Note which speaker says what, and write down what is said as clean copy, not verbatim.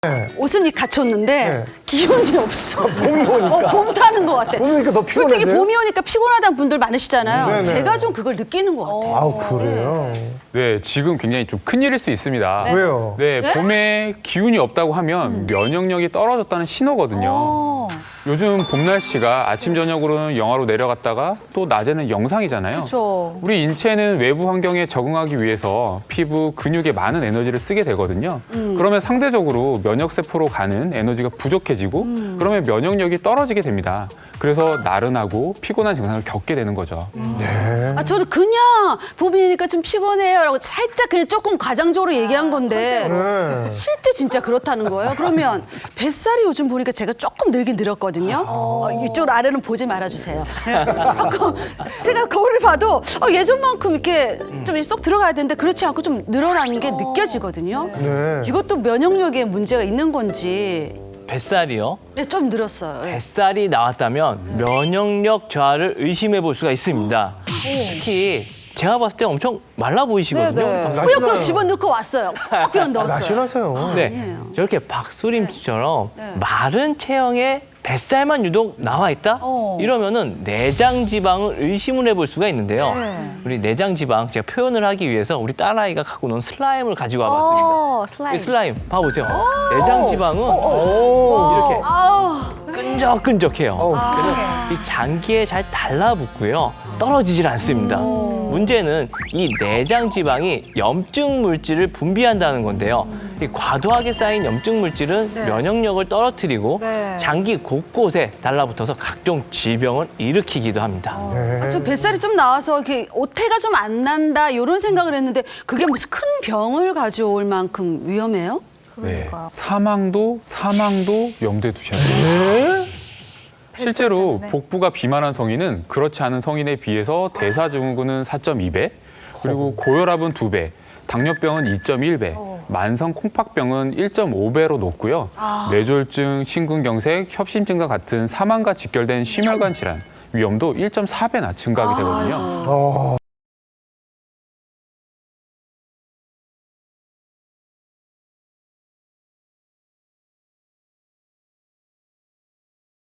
Speaker 1: 옷은 갖췄는데
Speaker 2: 네.
Speaker 1: 기운이 없어.
Speaker 2: 봄이 오니까.
Speaker 1: 봄 타는 것 같아.
Speaker 2: 봄이 오니까 더 피곤하세요?
Speaker 1: 솔직히 봄이 오니까 피곤하다는 분들 많으시잖아요.
Speaker 2: 네네.
Speaker 1: 제가 좀 그걸 느끼는 것 같아요.
Speaker 2: 아우, 그래요?
Speaker 3: 네, 지금 굉장히 좀 큰일일 수 있습니다.
Speaker 2: 왜요?
Speaker 3: 네, 봄에 기운이 없다고 하면 면역력이 떨어졌다는 신호거든요. 요즘 봄 날씨가 아침 저녁으로는 영하로 내려갔다가 또 낮에는 영상이잖아요.
Speaker 4: 그렇죠.
Speaker 3: 우리 인체는 외부 환경에 적응하기 위해서 피부, 근육에 많은 에너지를 쓰게 되거든요. 그러면 상대적으로 면역 세포로 가는 에너지가 부족해지고 그러면 면역력이 떨어지게 됩니다. 그래서 나른하고 피곤한 증상을 겪게 되는 거죠.
Speaker 1: 아, 저는 그냥 봄이니까 좀 피곤해요라고 살짝 그냥 조금 과장적으로 얘기한 건데
Speaker 2: 네.
Speaker 1: 실제 진짜 그렇다는 거예요. 그러면 뱃살이 요즘 보니까 제가 조금 늘긴 늘었거든요. 이쪽 아래는 보지 말아주세요. 조금 제가 거울을 봐도 예전만큼 이렇게 좀 쏙 들어가야 되는데 그렇지 않고 좀 늘어나는 게 느껴지거든요.
Speaker 2: 네.
Speaker 1: 이것도 면역력에 문제가 있는 건지
Speaker 5: 뱃살이요?
Speaker 1: 네, 좀 늘었어요. 예.
Speaker 5: 뱃살이 나왔다면 면역력 저하를 의심해 볼 수가 있습니다. 특히 제가 봤을 때 엄청 말라 보이시거든요.
Speaker 4: 네네.
Speaker 1: 꾸역꾸역 집어넣고 왔어요. 그냥 넣었어요.
Speaker 2: 날씬하세요.
Speaker 5: 네,
Speaker 1: 아니에요.
Speaker 5: 저렇게 박수림처럼
Speaker 1: 네.
Speaker 5: 마른 체형에 뱃살만 유독 나와 있다? 이러면은 내장 지방을 의심을 해볼 수가 있는데요.
Speaker 4: 네.
Speaker 5: 우리 내장 지방 제가 표현을 하기 위해서 우리 딸아이가 갖고 논 슬라임을 가지고 와봤습니다.
Speaker 4: 슬라임.
Speaker 5: 이 슬라임 봐보세요. 내장 지방은
Speaker 2: 오.
Speaker 5: 이렇게
Speaker 1: 아우.
Speaker 5: 끈적끈적해요.
Speaker 2: 어우,
Speaker 5: 이 장기에 잘 달라붙고요. 떨어지질 않습니다. 문제는 이 내장 지방이 염증 물질을 분비한다는 건데요. 이 과도하게 쌓인 염증 물질은
Speaker 1: 네.
Speaker 5: 면역력을 떨어뜨리고
Speaker 4: 네.
Speaker 5: 장기 곳곳에 달라붙어서 각종 질병을 일으키기도 합니다.
Speaker 2: 네.
Speaker 1: 좀 뱃살이 좀 나와서 이렇게 오태가 좀 안 난다 이런 생각을 했는데 그게 무슨 큰 병을 가져올 만큼 위험해요?
Speaker 3: 네, 사망도 염두에 두셔야 돼요. 실제로 복부가 비만한 성인은 그렇지 않은 성인에 비해서 대사증후군은 4.2배, 그리고 고혈압은 2배, 당뇨병은 2.1배, 만성 콩팥병은 1.5배로 높고요. 뇌졸중, 심근경색, 협심증과 같은 사망과 직결된 심혈관 질환 위험도 1.4배나 증가하게 되거든요.